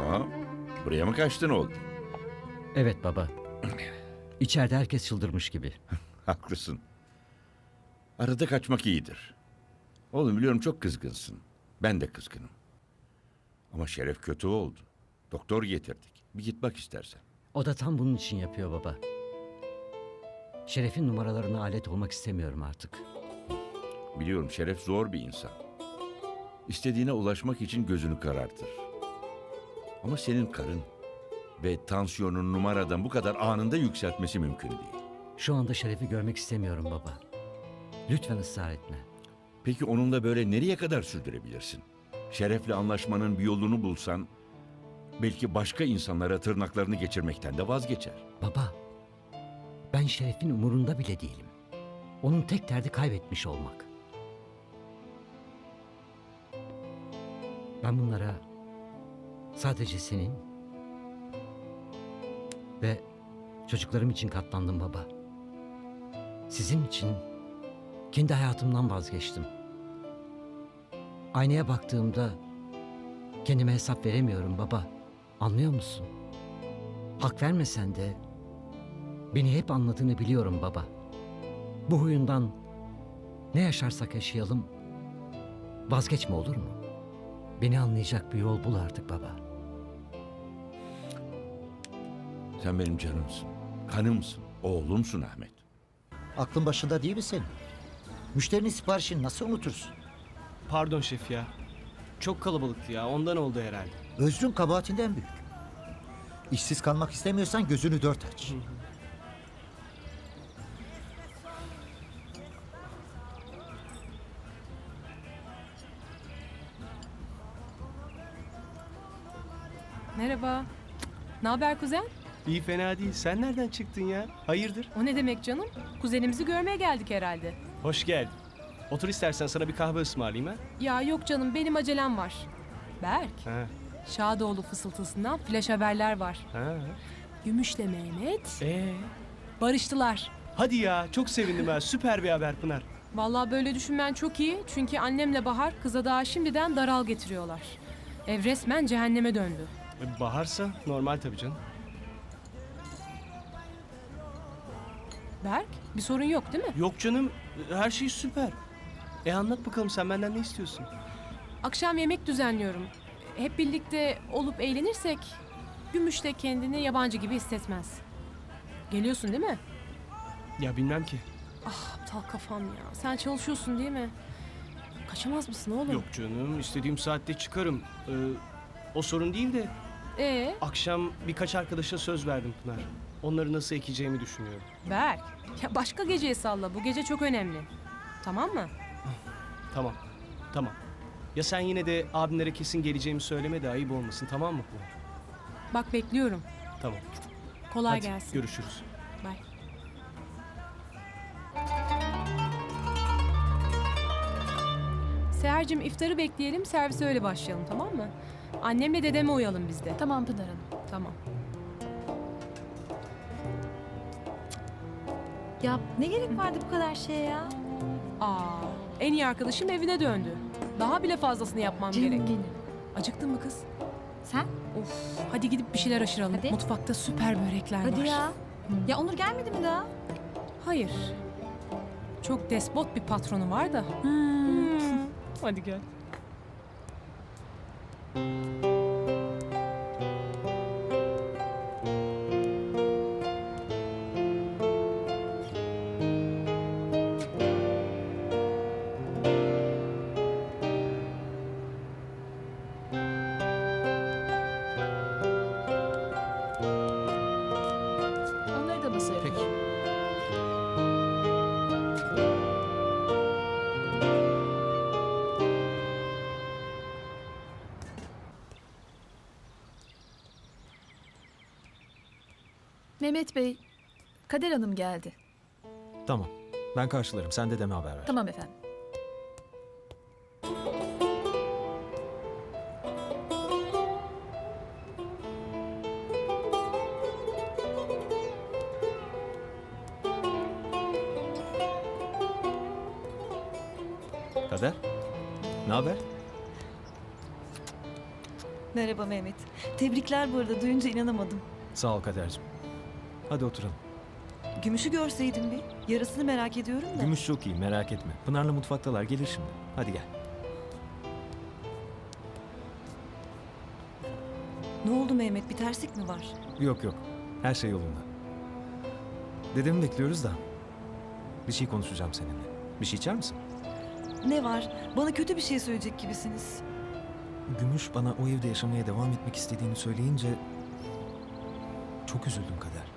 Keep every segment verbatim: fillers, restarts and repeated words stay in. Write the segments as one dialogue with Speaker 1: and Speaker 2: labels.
Speaker 1: Aa, buraya mı kaçtın oğlum?
Speaker 2: Evet baba. İçeride herkes çıldırmış gibi.
Speaker 1: Haklısın. Arada kaçmak iyidir. Oğlum biliyorum çok kızgınsın. Ben de kızgınım. Ama Şeref kötü oldu. Doktor getirdik. Bir git bak istersen.
Speaker 2: O da tam bunun için yapıyor baba. Şeref'in numaralarına alet olmak istemiyorum artık.
Speaker 1: Biliyorum Şeref zor bir insan. İstediğine ulaşmak için gözünü karartır. Ama senin karın ve tansiyonun numaradan bu kadar anında yükseltmesi mümkün değil.
Speaker 2: Şu anda Şeref'i görmek istemiyorum baba. Lütfen ısrar etme.
Speaker 1: Peki onunla böyle nereye kadar sürdürebilirsin? Şeref'le anlaşmanın bir yolunu bulsan belki başka insanlara tırnaklarını geçirmekten de vazgeçer.
Speaker 2: Baba, ben Şeref'in umurunda bile değilim. Onun tek derdi kaybetmiş olmak. Ben bunlara sadece senin ve çocuklarım için katlandım baba. Sizin için kendi hayatımdan vazgeçtim. Aynaya baktığımda kendime hesap veremiyorum baba. Anlıyor musun? Hak vermesen de beni hep anladığını biliyorum baba. Bu huyundan ne yaşarsak yaşayalım vazgeçme, olur mu? Beni anlayacak bir yol bul artık baba.
Speaker 1: Sen benim canımsın, kanımsın, oğlumsun Ahmet.
Speaker 3: Aklın başında değil mi senin? Müşterinin siparişini nasıl unutursun?
Speaker 4: Pardon şef ya. Çok kalabalıktı ya. Ondan oldu herhalde.
Speaker 3: Özrün kabahatinden büyük. İşsiz kalmak istemiyorsan gözünü dört aç.
Speaker 5: Merhaba. Ne haber kuzen?
Speaker 4: İyi fena değil. Sen nereden çıktın ya? Hayırdır?
Speaker 5: O ne demek canım? Kuzenimizi görmeye geldik herhalde.
Speaker 4: Hoş geldin. Otur istersen sana bir kahve ısmarlayayım ha.
Speaker 5: Ya yok canım, benim acelem var. Berk,
Speaker 4: Ha.
Speaker 5: Şadoğlu fısıltısından flash haberler var.
Speaker 4: Ha.
Speaker 5: Gümüşle Mehmet
Speaker 4: Ee.
Speaker 5: barıştılar.
Speaker 4: Hadi ya. Çok sevindim ha. Süper bir haber Pınar.
Speaker 5: Vallahi böyle düşünmen çok iyi. Çünkü annemle Bahar kıza daha şimdiden daral getiriyorlar. Ev resmen cehenneme döndü.
Speaker 4: E, Baharsa normal tabii canım.
Speaker 5: Berk, bir sorun yok değil mi?
Speaker 4: Yok canım. Her şey süper. E anlat bakalım sen benden ne istiyorsun?
Speaker 5: Akşam yemek düzenliyorum. Hep birlikte olup eğlenirsek Gümüş de kendini yabancı gibi hissetmez. Geliyorsun değil mi?
Speaker 4: Ya bilmem ki.
Speaker 5: Ah aptal kafam ya. Sen çalışıyorsun değil mi? Kaçamaz mısın oğlum?
Speaker 4: Yok canım. İstediğim saatte çıkarım. Ee, o sorun değil de
Speaker 5: Ee,
Speaker 4: akşam birkaç arkadaşa söz verdim Pınar. Onları nasıl ekeceğimi düşünüyorum.
Speaker 5: Berk. Ya başka geceye salla. Bu gece çok önemli. Tamam mı?
Speaker 4: Tamam. Tamam. Ya sen yine de abimlere kesin geleceğimi söyleme de ayıp olmasın, tamam mı Pınar?
Speaker 5: Bak bekliyorum.
Speaker 4: Tamam.
Speaker 5: Kolay
Speaker 4: Hadi,
Speaker 5: gelsin.
Speaker 4: görüşürüz.
Speaker 5: Bye. Seher'cim iftarı bekleyelim, servise öyle başlayalım, tamam mı? Annemle dedeme uyalım biz de.
Speaker 6: Tamam Pınar Hanım.
Speaker 5: Tamam.
Speaker 6: Ya ne gerek vardı bu kadar şeye ya?
Speaker 5: Aa, en iyi arkadaşım evine döndü. Daha bile fazlasını yapmam
Speaker 6: Canım
Speaker 5: gerek.
Speaker 6: benim.
Speaker 5: Acıktın mı kız?
Speaker 6: Sen?
Speaker 5: Of, hadi gidip bir şeyler aşıralım.
Speaker 6: Hadi.
Speaker 5: Mutfakta süper börekler var.
Speaker 6: Hadi ya. Ya Onur gelmedi mi daha?
Speaker 5: Hayır. Çok despot bir patronu var da.
Speaker 6: Hmm.
Speaker 5: Hadi gel.
Speaker 6: Onları da masaya koy.
Speaker 4: Peki.
Speaker 6: Mehmet Bey, Kader Hanım geldi.
Speaker 7: Tamam. Ben karşılarım. Sen dedeme haber ver.
Speaker 6: Tamam efendim.
Speaker 7: Kader. Ne haber?
Speaker 8: Merhaba Mehmet. Tebrikler bu arada. Duyunca inanamadım.
Speaker 7: Sağ ol Kader'cim. Hadi oturalım.
Speaker 8: Gümüşü görseydim bir. Yarasını merak ediyorum da.
Speaker 7: Gümüş çok iyi, merak etme. Pınar'la mutfaktalar, gelir şimdi. Hadi gel.
Speaker 8: Ne oldu Mehmet? Bir terslik mi var?
Speaker 7: Yok yok, her şey yolunda. Dedemi bekliyoruz da. Bir şey konuşacağım seninle. Bir şey içer misin?
Speaker 8: Ne var? Bana kötü bir şey söyleyecek gibisiniz.
Speaker 7: Gümüş bana o evde yaşamaya devam etmek istediğini söyleyince... çok üzüldüm Kader.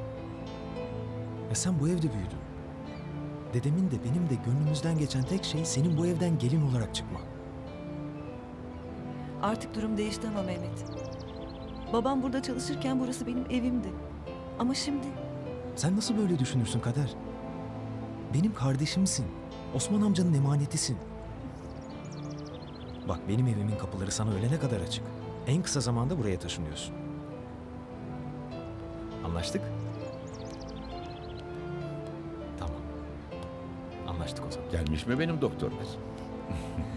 Speaker 7: Ya sen bu evde büyüdün. Dedemin de benim de gönlümüzden geçen tek şey senin bu evden gelin olarak çıkman.
Speaker 8: Artık durum değişti ama Mehmet. Babam burada çalışırken burası benim evimdi. Ama şimdi
Speaker 7: Sen nasıl böyle düşünürsün Kader? Benim kardeşimsin. Osman amcanın emanetisin. Bak benim evimin kapıları sana ölene kadar açık. En kısa zamanda buraya taşınıyorsun. Anlaştık? Tamam. Anlaştık o zaman.
Speaker 1: Gelmiş mi benim doktor kızım?